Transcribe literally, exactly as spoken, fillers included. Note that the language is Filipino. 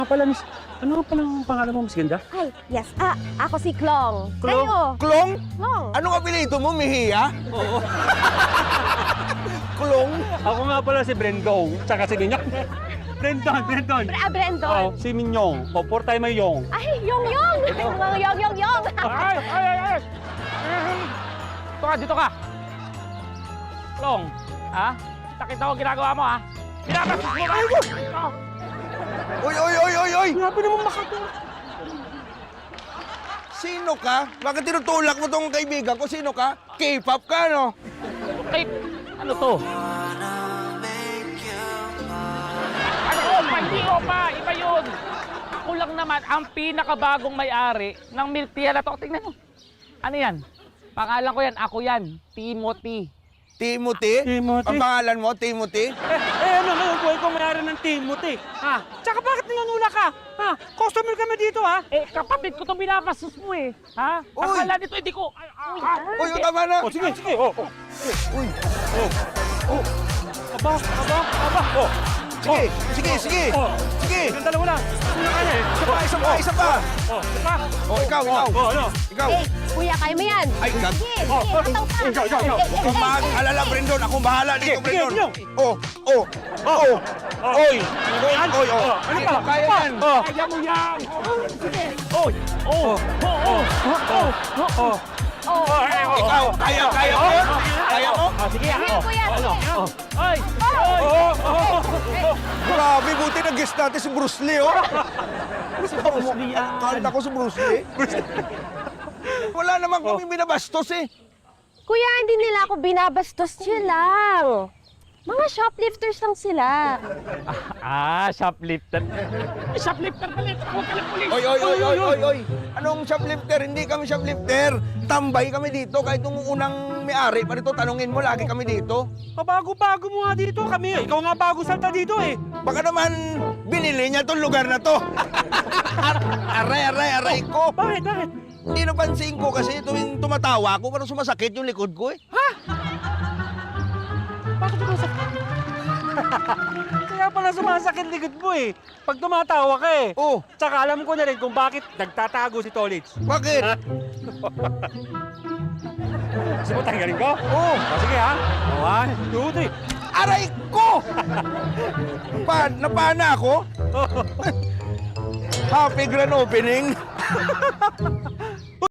Ano pala, miss? Ano nga pala ang pangalan mo, Miss Ganda? Ay, yes. Ah, ako si Klong. Klong? Kayo? Klong? Klong. Anong apelyido mo, Mejia? Oo. Klong? Ako nga pala si Brendong, tsaka si Minyong. Brendon, Brendon. Ah, Brandon. Oh, si Minyong. O, por tayo may Yong. Ay, Yong Yong. Mga Yong Yong Yong. Ay, ay, ay, ay! Dito ka, dito ka! Long, ha? Nakita ko ginagawa mo, ha? Pinapasok mo ba? Ito! Uy, uy, uy, uy, uy! Grabe naman makatulog. Sino ka? Bakit tinutulak mo tong kaibigan ko? Sino ka? K-pop ka, no? Ay, ano to? Ano ko? Hindi ko pa! Iba yun! Ako lang naman ang pinakabagong may-ari ng milk tea na to. Tingnan mo. Ano yan? Pangalan ko yan. Ako yan. Timothy. Timothy? Timothy? Ang pangalan mo, Timothy? Eh, eh, ano ngayon, buhay ko mayroon ng Timothy. Ha? Tsaka bakit nanganula ka? Ha? Customer kami dito, ha? Eh, kapatid ko itong binapastos mo eh. Ha? Uy! Akala nito, hindi ko... Ay, ay, ay, Uy, tama na! O, sige, sige. O, o. Uy, Aba, aba, aba. O. sige, sige, sige! O. Sige! Yung dalawa lang. Sino kaya eh? Isa pa, isa pa, isa pa! O, diba? O, ikaw, ikaw! O, ano? Ikaw! Eh, kuya, kaya mo yan. Ay, gag... Sige, Oh, sige. oh, Ataw ka. ikaw, ikaw, ikaw. Eh, eh, Kung eh, mag-alala, Brendon, akong bahala dito, Sige, Brendon! sige, Oh, oh, oh! Oy! Oy, oy, oh! Ano pa? Kaya yan! O. Kaya mo yan! Oy. Oh! Oh! Oh! Oh! O. Oh, O, eh, o. Ikaw, kaya, kaya mo? Kaya mo? Oh, sige, ha? Sige, kuya, Oh, ano? sige. Oh. Ay! O, o, o. Grabe, buti nag-guest natin si Bruce Lee, oh! Si Bruce Lee yan. Kanta ko si Bruce Lee. Wala naman kami binabastos, eh. Kuya, hindi nila ako binabastos. Chill lang. Mga shoplifters lang sila. Ah, shoplifter. Shoplifter pala. Huwag ka ng pulis. Oy, oy, oy, oy, oy, oy! Anong shoplifter? Hindi kami shoplifter. Tambay kami dito. Kahit nung unang may-ari pa rito, tanungin mo, lagi kami dito. Pabago-bago mo nga dito kami. Ikaw nga bago salta dito eh. Baka naman binili niya tong lugar na to. Aray, aray, aray ko. Bakit, bakit? Hindi napansin ko kasi tuwing tumatawa ako, parang sumasakit yung likod ko, eh. Bakit sumasakit? Kaya pala sumasakit likod mo eh. Pag tumatawa ka eh. Oh, Tsaka alam ko na rin kung bakit nagtatago si Tolits. bakit? Gusto mo tanggalin ko? Oh, O, sige ha. One, two, three. aray ko! Pa, napana ako? Happy grand opening.